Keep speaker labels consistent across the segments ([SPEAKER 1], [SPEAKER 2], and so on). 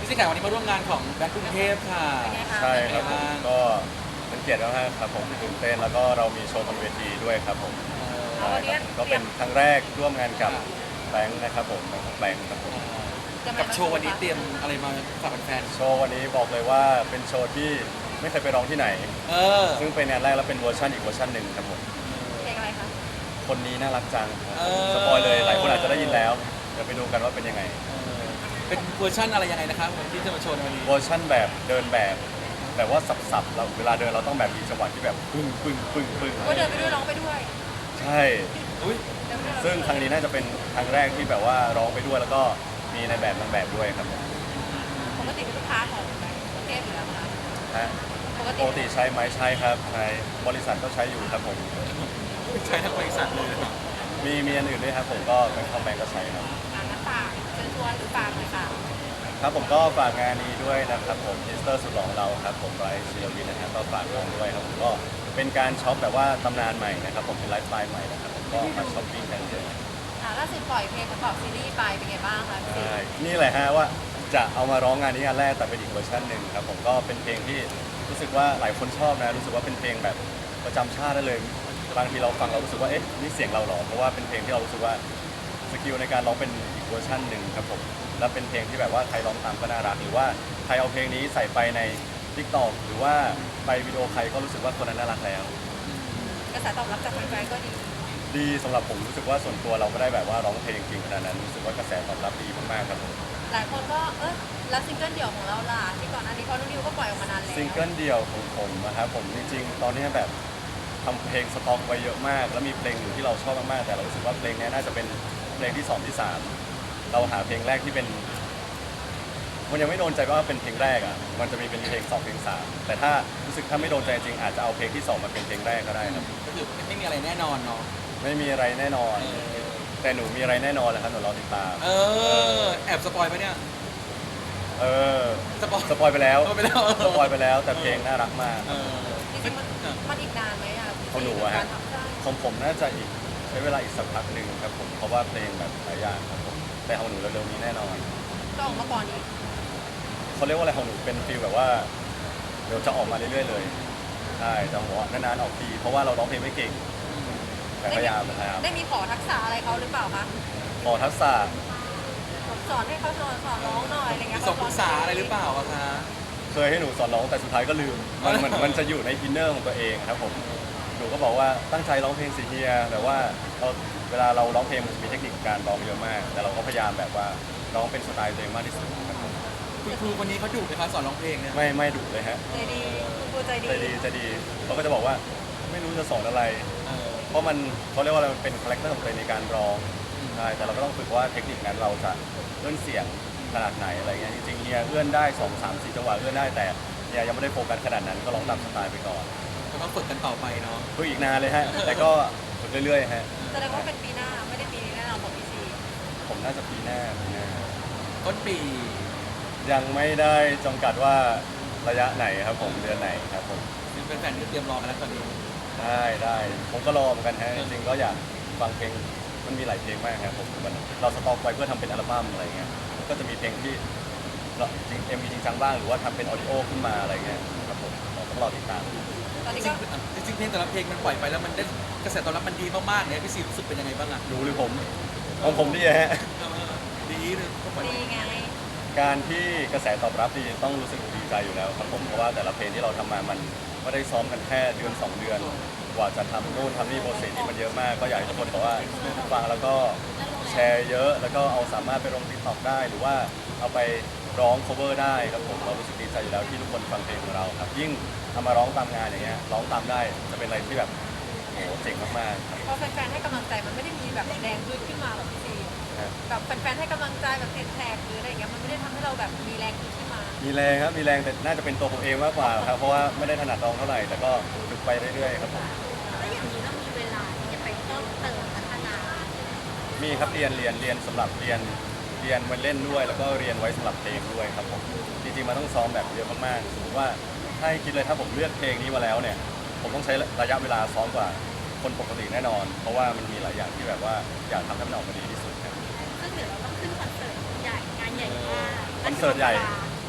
[SPEAKER 1] พี่สิงห์วันนี้มาร่วมงานของแบงก์กรุงเทพค่ะ
[SPEAKER 2] เป็นไงคะ
[SPEAKER 3] ใช่ครับผม
[SPEAKER 1] เป็นไงบ้าง
[SPEAKER 3] ก็เป็นเกียรติมากๆครับผมตื่นเต้นแล้วก็เรามีโชว์บนเวทีด้วยครับผมใช่ครับก็เป็นครั้งแรกร่วมงานกับแบงค์นะครับผมแบงค์ครับผม
[SPEAKER 1] กับโชว์วันนี้เตรียมอะไรมาฝากแฟน
[SPEAKER 3] โชว์วันนี้บอกเลยว่าเป็นโชว์ที่ไม่เคยไปร้องที่ไหน
[SPEAKER 1] ๆเออ
[SPEAKER 3] ซึ่งเป็นงานแรกแล้วเป็นเวอร์ชันอีกเวอร์ชันหนึ่งครับผม
[SPEAKER 2] เพลงอะไรคะ
[SPEAKER 3] คนนี้น่ารักจังครับ
[SPEAKER 1] เออ
[SPEAKER 3] สปอยเลยหลายคนอาจจะได้ยินแล้วเดี๋ยวไปดูกันว่าเป็นยังไง
[SPEAKER 1] เป็นเวอร์ชันอะไรยังไงนะครับที่จะมาโชว์ในวันนี้
[SPEAKER 3] เวอร์ชั่นแบบเดินแบบว่าสับๆเราเวลาเดินเราต้องแบบมีจังหวะที่แบบปึ้งปึ้งปึ้งปึ้ง
[SPEAKER 2] ก็เดินไปด้วยร้องไปด้วย
[SPEAKER 3] ใช่
[SPEAKER 1] อุ้ย
[SPEAKER 2] เดินไปด้วย
[SPEAKER 3] ซึ่งครั้งนี้น่าจะเป็นครั้งแรกที่แบบว่าร้องไปด้วยแล้วก็มีในแบบนางแบบด้วยครับผม
[SPEAKER 2] ปกติเป็นลูกค้าของแบงก์กรุงเทพอยู่แล้วค่ะ
[SPEAKER 3] ฮะ
[SPEAKER 2] ปก
[SPEAKER 3] ป
[SPEAKER 2] ติ
[SPEAKER 3] กติใช้ไหมใช้ครับใช้บริษัทก็ใช้อยู่ครับผม
[SPEAKER 1] ใช้ทั้งบริษัทเลย
[SPEAKER 3] มีอันอื่นด้วยครับผมก็เป็นคอมแบงก็ใช้ครับ
[SPEAKER 2] งานน้ำฝากเชิญชวนหรือฝากเลยค่ะ
[SPEAKER 3] ครับผมก็ฝากงานนี้ด้วยนะครับผมทิสเตอร์สุดหล่อของเราครับผมไบรท์ศิลวินนะครับก็ฝากงานด้วยครับผมก็เป็นการช็อปแบบว่าตำนานใหม่นะครับผมเป็นไลฟ์สไตล์ใหม่นะครับผมก็มาช้อปปิ้งกันเยอะ
[SPEAKER 2] ล่าสุดปล่อยเพลงประกอบซีรีส์ไปเป็นไงบ้างคะพี่ซี
[SPEAKER 3] ใช่นี่แหละฮะว่าจะเอามาร้องงานนี้งานแรกแต่เป็นอีกเวอร์ชันหนึ่งครับผมก็เป็นเพลงที่รู้สึกว่าหลายคนชอบนะรู้สึกว่าเป็นเพลงแบบประจำชาติได้เลยบางทีเราฟังเรารู้สึกว่าเอ๊ะนี่เสียงเราหรอเพราะว่าเป็นเพลงที่เรารู้สึกว่าสกิลในการร้องเป็นอีกเวอร์ชันหนึ่งครับผมและเป็นเพลงที่แบบว่าใครร้องตามก็น่ารักหรือว่าใครเอาเพลงนี้ใส่ไปใน TikTok หรือว่าไปวิดีโอใครก็รู้สึกว่าคนนั้นน่ารักแล้ว
[SPEAKER 2] กระแสตอบรับจากแฟนๆก็ดี
[SPEAKER 3] ดีสำหรับผมรู้สึกว่าส่วนตัวเราไม่ได้แบบว่าร้องเพลงจริงขนาดนั้นรู้สึกว่ากระแสตอบรับดีมากๆครับผม
[SPEAKER 2] หลายคนก็แล้วซิงเกิลเดี่ยวของเราล่ะที่ก่อนหน้านี้เพราะนุ่นนิวก็ปล่อยออกมานานแล้ว
[SPEAKER 3] ซิงเกิลเดี่ยวของผมนะครับผมจริงๆ ตอนนี้แบบทำเพลงสต็อกไว้เยอะมาก แล้วมีเพลงอยู่ที่เราชอบมากๆแต่เรารู้สึกว่าเพลงนี้น่าจะเป็นเพลงที่สองที่สามเราหาเพลงแรกที่เป็นมันยังไม่โดนใจว่าเป็นเพลงแรกอ่ะมันจะมีเป็นเพลงสองเพลงสามแต่ถ้ารู้สึกถ้าไม่โดนใจจริงอาจจะเอาเพลงที่สองมาเป็นเพลงแรกก็ได้ครับ
[SPEAKER 1] ก็คือไม่มีอะไรแน่นอนเนาะ
[SPEAKER 3] ไม่มีอะไรแน่นอน แต่หนูมีอะไรแน่นอนแหละครับหนูรอติดตาม
[SPEAKER 1] เออแอบสปอยไปะเนี่ย
[SPEAKER 3] เออ
[SPEAKER 1] สปอย
[SPEAKER 3] สปอยไปแล้ว
[SPEAKER 1] สปอยไปแล้ว
[SPEAKER 3] สปอยไปแล้วแต่เพลงน่ารักมาก
[SPEAKER 1] เออ
[SPEAKER 2] จริงๆมันอีกนานไหมอ่ะ
[SPEAKER 3] ของหนูอะฮะ
[SPEAKER 2] การทำได้
[SPEAKER 3] ของผมน่าจะอีกใช้เวลาอีกสักพักหนึ่งครับผมเพราะว่าเพลงแบบหลายอย่างครับผมแต่ของหนูเร็วๆนี้แน่นอน
[SPEAKER 2] ก็ออกมาก่อนอีก
[SPEAKER 3] เขาเรียกว่าอะไรของหนูเป็นฟีลแบบว่าเดี๋ยวจะออกมาเรื่อยๆเลยใช่แต่หัวนานๆออกทีเพราะว่าเราร้องเพลงไม่เก่งแต่พยายาม
[SPEAKER 2] ได้มีขอทักษะอะไรเขาหรือเปล่าคะ
[SPEAKER 3] ขอทักษะ
[SPEAKER 2] สอนให้เขาสอนร้องหน่อยอะไรเงี้ย
[SPEAKER 1] ส่งปรึกษาอะไรหรือเปล่าอะคะ
[SPEAKER 3] เคยให้หนูสอนร้องแต่สุดท้ายก็ลืมมันจะอยู่ในอินเนอร์ของตัวเองครับผมหนูก็บอกว่าตั้งใจร้องเพลงสิเฮียแต่ว่าเราเวลาเราร้องเพลงมันจะมีเทคนิคการร้องเยอะมาก แต่เราก็พยายามแบบว่าร้องเป็นสไตล์ตัวเองมากที่สุดครับผม
[SPEAKER 1] คุณครูคนนี้เขาดุไหมคะสอนร้องเพลงเนี่ย
[SPEAKER 3] ไม่ดุเลยฮะ
[SPEAKER 2] ใจดีคุณครูใจดี
[SPEAKER 3] จะดีเขาก็จะบอกว่าไม่รู้จะสอนอะไร
[SPEAKER 1] เออ
[SPEAKER 3] เพราะมันเขาเรียกว่าอะไรมันเป็นคาแรคเตอร์ของตัวเองในการร้องใช่แต่เราก็ต้องฝึกว่าเทคนิคนั้นเราจะเอื้อนเสียงขนาดไหนอะไรเงี้ยจริงๆเฮียเอื้อนได้2 3 4จังหวะเอื้อนได้แต่เฮียยังไม่ได้โฟกัสขนาดนั้นก็ร้องตามสไตล์ไปก่อน
[SPEAKER 1] ก็ต้องฝึกกันต่อไปเนาะ
[SPEAKER 3] ฝึกอีกนานเลยฮะแต่ก็ฝึกเรื่อยๆฮะ
[SPEAKER 2] แสดงว่าเป็นปีหน้าไม่ได้ปีนี้แน่นอนของพี่ซี
[SPEAKER 3] ผมน่าจะปีหน้า
[SPEAKER 1] ต้นปี
[SPEAKER 3] ยังไม่ได้จำกัดว่าระยะไหนครับผมเดือนไหนครับผม
[SPEAKER 1] เป็นแฟนๆที่เตรียมรอกันแล้วตอนนี้
[SPEAKER 3] ได้ผมก็รอเหมือนกันฮะจริงๆก็อยากฟังเพลงมันมีหลายเพลงมากครับผมเราสต็อกไว้เพื่อทำเป็นอัลบั้มอะไรเงี้ยก็จะมีเพลงที่เราจริงมีจริงจังบ้างหรือว่าทำเป็นออดิโอขึ้นมาอะไรเงี้ยครับผมเราต้องรอติดตาม
[SPEAKER 2] ตอน
[SPEAKER 1] จ
[SPEAKER 2] นี้
[SPEAKER 1] ริ
[SPEAKER 2] ก็
[SPEAKER 1] งๆจริงๆเพลงแต่ละเพลงมันปล่อยไปแล้วมันได้กระแสตอบรับมันดีมากๆเนี่ยพี่ซีรู้สึกเป็นยังไงบ้างอะ
[SPEAKER 3] ดูหรือผมของผมดีฮะ
[SPEAKER 1] เออดีเลยก็ปล่อย
[SPEAKER 2] ดีไง
[SPEAKER 3] การที่กระแสตอบรับดีต้องรู้สึกดีใจอยู่แล้วครับผมเพราะว่าแต่ละเพลงที่เราทำมามันไม่ได้ซ้อมกันแค่เดือน2 เดือน กว่าจะทำนู่นทำนี่โปรเซสที่มันเยอะมากก็อยากให้ทุกคนบอกว่าฟังแล้วก็แชร์เยอะ แล้วก็เอาสามารถไปลง TikTok ได้หรือว่าเอาไปร้อง cover ได้ครับผมเรารู้สึกดีใจอยู่แล้วที่ทุกคนฟังเพลงของเราครับยิ่งทำมาร้องตามงานอย่างเงี้ยร้องตามได้จะเป็นอะไรที่แบบโอ้โหเจ๋งมากๆครับ
[SPEAKER 2] พอแฟนๆให้กำลังใจมันไม่ได้มีแบบแรงขึ้นมาแบบพี่ซี
[SPEAKER 3] นะ
[SPEAKER 2] แบบแฟนๆให้กำลังใจแบบติดแท็กหรืออะไรอย่างเงี้ยมันไม่ได้ทำให้เราแบบมีแรงขึ้นมา
[SPEAKER 3] มีแรงครับมีแรงแต่น่าจะเป็นตัวผมเองมากกว่าครับเพราะว่าไม่ได้ถนัดร้องเท่าไหร่แต่ก็ฝึกไปเรื่อยๆครับผม
[SPEAKER 4] แล้วอย่างนี้เรามีเวลาที่จะไปเพิ่มเติมพัฒนา
[SPEAKER 3] มีครับเรียนสำหรับเรียนมาเล่นด้วย แล้วก็เรียนไว้สำหรับเพลงด้วยครับผมจริงๆมันต้องซ้อมแบบเยอะมากๆสมมติว่าถ้าให้คิดเลยถ้าผมเลือกเพลงนี้มาแล้วเนี่ยผมต้องใช้ระยะเวลาซ้อมกว่าคนปกติแน่นอน เพราะว่ามันมีหลายอย่างที่แบบว่าอยากทำให้มันออกมาดีที่สุดครับ
[SPEAKER 4] ซึ่งเดี๋ยวเราต้องขึ้นคอนเสิร์ตใหญ่งานใหญ่มาก
[SPEAKER 3] คอนเสิร์ตใหญ่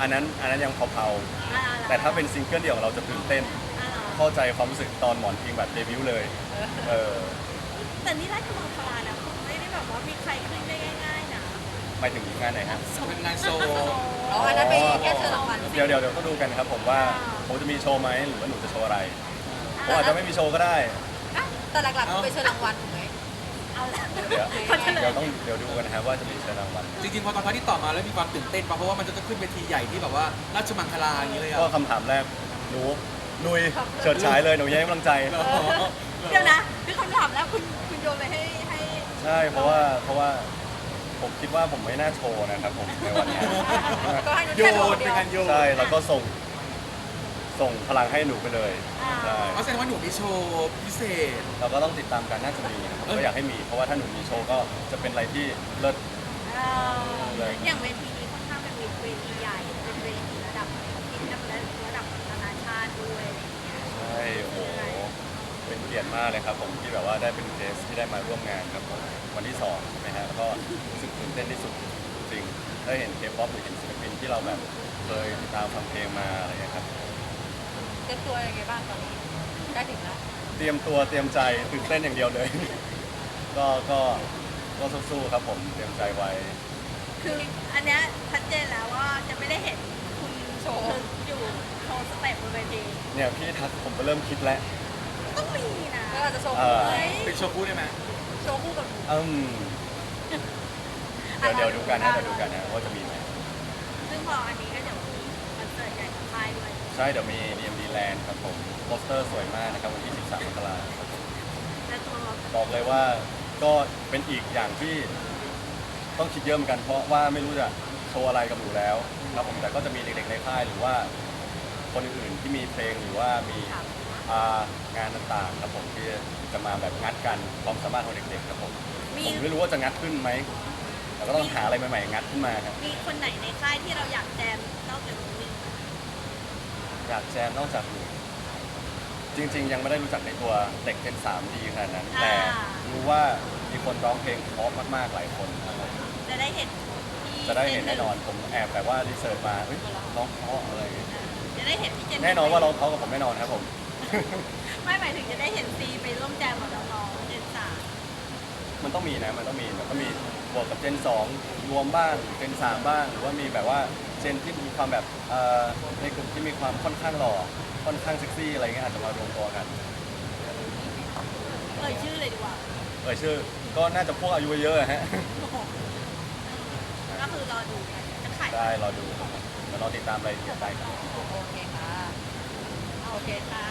[SPEAKER 3] อันนั้นยังเผาๆแต่ถ้าเป็นซิงเกิลเดี่ยวของเราจะตื่นเต้น
[SPEAKER 4] อ่า
[SPEAKER 3] เข้าใจความรู้สึกตอนหมอนพิงแบบเดบิวต์เลยเออ
[SPEAKER 4] แต่นี่ราชมังคลานะผมไม่ได้แบบว่ามีใครขึ้นได้ง่ายๆนะ
[SPEAKER 3] หมายถึงงานไหนครับ
[SPEAKER 1] เป็นงานโชว์
[SPEAKER 2] อ๋ออันนั้นไปแค่เชิญรางวัล
[SPEAKER 3] เดี๋ยวต้องดูกันครับผมว่าผมจะมีโชว์ไหมหรือว่าหนูจะโชว์อะไรผมอาจจะไม่มีโชว์ก็ได้
[SPEAKER 2] แต่หลักๆคือไปเชิญรางวัลถูกไหม
[SPEAKER 4] เอาละ
[SPEAKER 3] เดี๋ยว
[SPEAKER 4] เขาเฉลย
[SPEAKER 3] เดี๋ยวดูกันนะครับว่าจะมีเชิญรางวัล
[SPEAKER 1] จริงๆพอตอนพาร์ทที่ต่อมาแล้วมีความตื่นเต้นปะเพราะว่ามันจะต้องขึ้นเวทีใหญ่ที่แบบว่าราชมังคลาอย่างนี้เลยอ่ะ
[SPEAKER 3] ก็คำถามแรกหนูลุยเฉิดฉายเลยหนูยังให้กำลังใจ
[SPEAKER 4] เดี๋ยวนะคือคำถามแล้วคุณโยนไปให้
[SPEAKER 3] ใช่เพราะว่าผมคิดว่าผมไม่น่าโชว์นะครับผมในวันนี้
[SPEAKER 2] ก็ให้นุช
[SPEAKER 1] โย
[SPEAKER 2] แค่คน
[SPEAKER 1] น
[SPEAKER 2] เดี
[SPEAKER 1] เป็น
[SPEAKER 2] ยว
[SPEAKER 1] การโยน
[SPEAKER 3] ใช่แล้วก็ส่งพลังให้หนูไปเลยใช่
[SPEAKER 1] เพราะแสดงว่าหนูมีโชว์พิเศษ
[SPEAKER 3] เราก็ต้องติดตามกันน่าจะมีนะครับก็อยากให้มีเพราะว่าถ้าหนูมีโชว์ก็จะเป็นอะไรที่เลิศ
[SPEAKER 4] อย่างเวทีนี้ค่อนข้างเป็นเวทีใหญ่เป็นเวทีระดับที่ระดับนานาชาติด้วยอะไรอย่างเงี้ย
[SPEAKER 3] ใช่โอ้โหเป็นเกียรติมากเลยครับผมที่แบบว่าได้เป็นเกสที่ได้มาร่วมงานครับผมวันที่2ใช่ไหมฮะแล้วก็รู้สึกตื่นเต้นที่สุดจริงได้เห็นเคป๊อปหรือเห็นศิลปินที่เราแบบเคยติดตามฟังเพลงมาอะไรอย่างเงี้ยครับ
[SPEAKER 2] เตรียมตัวยังไงบ้างตอนนี้ใกล้ถึงแล้ว
[SPEAKER 3] เตรียมตัวเตรียมใจตื่นเต้นอย่างเดียวเลย ก็สู้ๆครับผมเตรียมใจไว้
[SPEAKER 4] คืออันเนี้ยชัดเจนแล้วว่าจะไม่ได้เห็นคุณ
[SPEAKER 2] โชว์
[SPEAKER 4] อยู่โชว์สเต็ปบนเวที
[SPEAKER 3] เนี่ยพี่ทักผมก็เริ่มคิดแล้ว
[SPEAKER 4] ต้องมีนะ
[SPEAKER 2] ก็อาจจะโชว์คู่ไหม
[SPEAKER 1] เป็นโชว์คู่ได้ไหม
[SPEAKER 2] โชว์คู่กับหนู
[SPEAKER 3] เดี๋ยวดูกันนะว่าจะมีไหม
[SPEAKER 4] ซึ่งพออันนี้ก็เดี๋ยวมีคอนเสิร์ตใหญ่ของค่ายด้วย
[SPEAKER 3] ใช่เดี๋ยวมี DMD Land ครับผมโปสเตอร์สวยมากนะครับวันที่13 มกราคมครับผม
[SPEAKER 4] และตัว
[SPEAKER 3] บอกเลยว่าก็เป็นอีกอย่างที่ต้องคิดเยอะเหมือนกันเพราะว่าไม่รู้จะโชว์อะไรกับหนูแล้วครับผมแต่ก็จะมีเด็กๆในค่ายหรือว่าคนอื่นๆที่มีเพลงหรือว่ามีงานต่างๆครับผมที่จะมาแบบงัดกันความสามารถของเด็กๆครับผม
[SPEAKER 4] มี
[SPEAKER 3] ผมไม่รู้ว่าจะงัดขึ้นไหมแต่ก็ต้องหาอะไรใหม่ๆงัดขึ้นมาครับ
[SPEAKER 4] มีคนไหนในค่ายที่เราอยากแจมนอกจากนี้ไหม
[SPEAKER 3] อยากแจมนอกจากหนูจริง ๆ ยังไม่ได้รู้จักในตัวเด็กเจน3ดีขนาดนั้น แต่รู้ว่ามีคนร้องเพลงเพราะมากๆหลายคนครับผม
[SPEAKER 4] จะได้เห็นที่
[SPEAKER 3] จะได้เห็นแน่นอนผมแอบแบบว่ารีเสิร์ชมาเฮ้ยร้องเพราะอะไรอย่างเงี้ย
[SPEAKER 4] จะได้เห็นที่เจน
[SPEAKER 3] แน่นอนว่าร้องเพราะกับผมแน่นอนครับผม
[SPEAKER 4] ไม่หมายถึงจะได้เห็นซีไปร่วมแจมกับน้องๆเจนสาม
[SPEAKER 3] มันต้องมีนะมันต้องมีบวกกับเจน2รวมบ้างเจน3บ้างหรือว่ามีแบบว่าเจนที่มีความแบบในกลุ่มที่มีความค่อนข้างหล่อค่อนข้างเซ็กซี่อะไรเงี้ยอาจจะมารวมตัวกัน
[SPEAKER 4] ชื่อเลยดีกว่า
[SPEAKER 3] ชื่อก็น่าจะพวกอายุเยอะๆฮะ
[SPEAKER 4] ก็คือรอดูกันจะขาย
[SPEAKER 3] ได้รอดูแล้วรอติดตามรายละเอียดได้ครับ
[SPEAKER 2] โอเคค่ะโอเคค่ะ